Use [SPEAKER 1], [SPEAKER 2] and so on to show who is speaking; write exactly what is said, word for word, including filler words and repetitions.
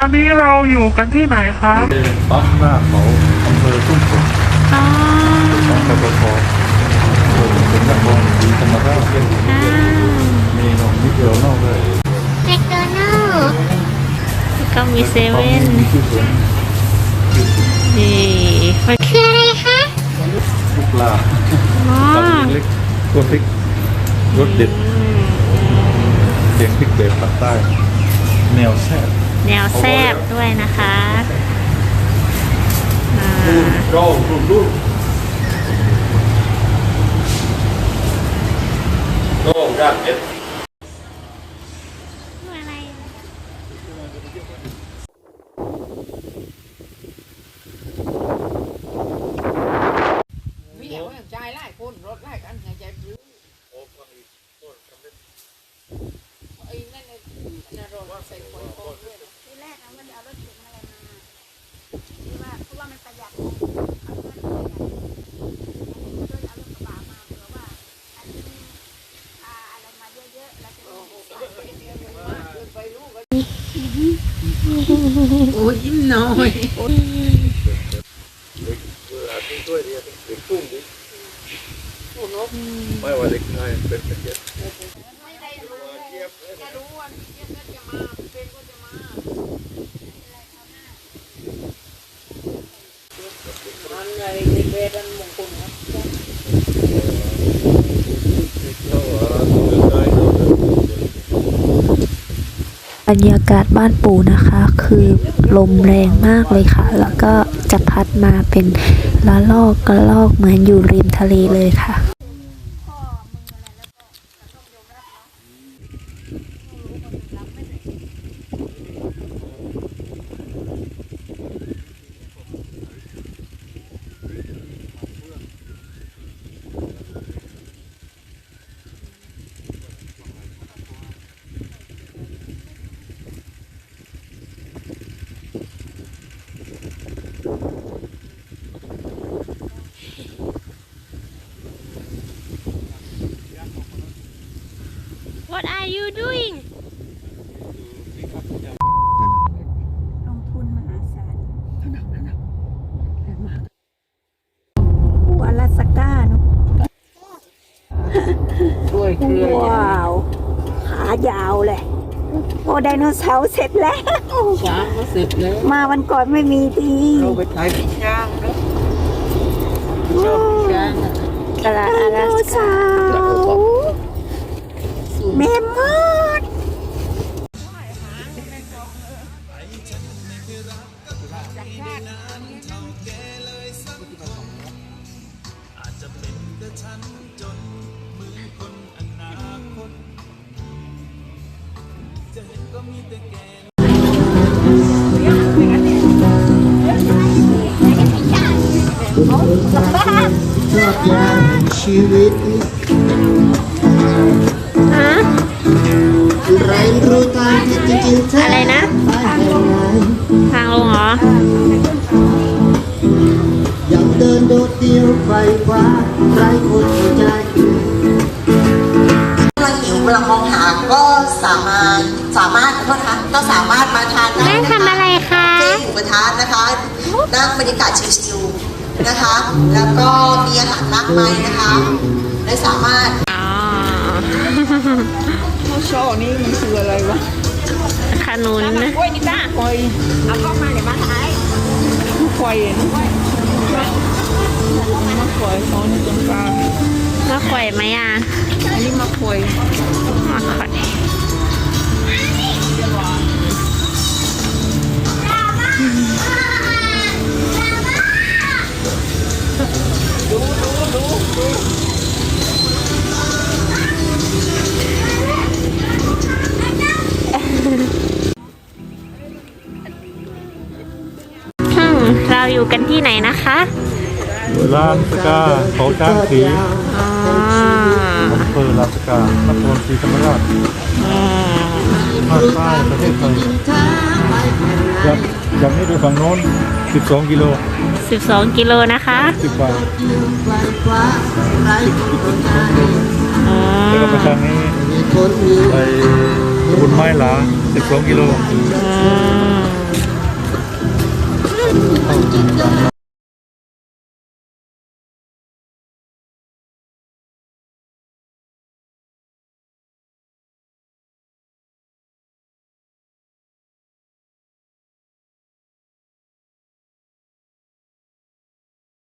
[SPEAKER 1] อันนี้เราอยู่กันที่ไหนคะ
[SPEAKER 2] ปั๊มหน้าเขาอำเภอทุ่งสงของปตทโดยเป็นนครศรีธรรมราชมีน้องมิเกลนอกเลย
[SPEAKER 3] แมคโดนัลด์ก็มีเซเว่นนี่คืออะไรคะ
[SPEAKER 2] ลูกปลาปลาเล็กตัวพริกรสเด็ดเสียงพริกแบบภาคใต้แนวแซ่บ
[SPEAKER 3] แนวแซ่บด้วยนะคะ
[SPEAKER 2] รูปรูปรูปโอ้ยากเอ็ด
[SPEAKER 3] อะไร
[SPEAKER 4] มีอย่างใจไล่คนรถไล่กันใจใจปลื้มโอ้ฟังอีกคนทำได้ไอ้นั่นไอ้นั่นรถใส่คนโคตรด้วยทีแรกนะมันเอารถเข็นอะไรมาที่ว่าเพราะว่ามันประหยัดเอาเงินประหยัดก็เลยเอารถกระบะมาเผื่อว่าอันนี้อะไรมาเยอะๆแล้วจะไปลูกโอ้ยยิ้มน้อย
[SPEAKER 2] ไม่ว่าเด็กชายเป็นเป็นเด็ก
[SPEAKER 4] ไม่ได้รู้จะรู้วันเจี๊ยบก็จะมาเป็นก็จะมาอันไหนในเวดันมงคลครับ
[SPEAKER 5] บรรยากาศบ้านปู่นะคะคือลมแรงมากเลยค่ะแล้วก็จะพัดมาเป็นละลอกกระลอกเหมือนอยู่ริมทะเลเลยค่ะ
[SPEAKER 3] What are you doing
[SPEAKER 5] ลงทุนมหาศาลหัวลาสก้าเนาะว้าวขายาวเลยโอ้ไดโนเสาร์เสร็จแล้ว
[SPEAKER 4] ช้างก็เสร็จแล้ว
[SPEAKER 5] มาวันก่อนไม่มีที
[SPEAKER 4] เราไปถ่ายพี่ช้างแล้วชอบพี่ช้าง
[SPEAKER 5] ไดโนเสาร์แม่มด
[SPEAKER 6] ชีวิตไรรู้ทางที่จริงๆอะไรนะ
[SPEAKER 3] ทางลงเหรอ
[SPEAKER 6] ยังเดินโดดเดี่ยวไฟฟ้าไรคนเข้าใจ
[SPEAKER 7] กำลังหิวกำลังมองหาก็สามารถสามารถโทษนะคะก็สามารถมาทานได้นะคะ
[SPEAKER 3] ทำอะไรคะ
[SPEAKER 7] เจ๊หมูกระทะนะคะนั่งบรรยากาศชิลๆนะคะแล้วก็มีอาหารมากมายนะคะและสามารถ
[SPEAKER 4] ข้าวช่อนี่มันคืออะไรวะ
[SPEAKER 3] ขนุนนะ
[SPEAKER 4] กล้วยนี่จ้าควายเอาเข้ามาเดี๋ยวมาถ่ายควายนะมะควายอ๋อนี่ต้นปลาม
[SPEAKER 3] ะข่อยไหมอ่ะ
[SPEAKER 4] อันนี้มะควาย
[SPEAKER 3] มะข่อย
[SPEAKER 4] ดูดูดูดู
[SPEAKER 3] เราอยู่กันที่ไหนนะคะ
[SPEAKER 2] ลานสกาเขาช้างสีอำเภอลานสกานครศรีธรรมราชภาคใต้ประเทศไทยอยากอยากให้ดูฝั่งโน้นสิบสองกิโล
[SPEAKER 3] สิบสองกิโลนะคะ
[SPEAKER 2] สิบบาทแล้วก็ไปทางนี้ไปบุญไม้หลาสิบสองกิโล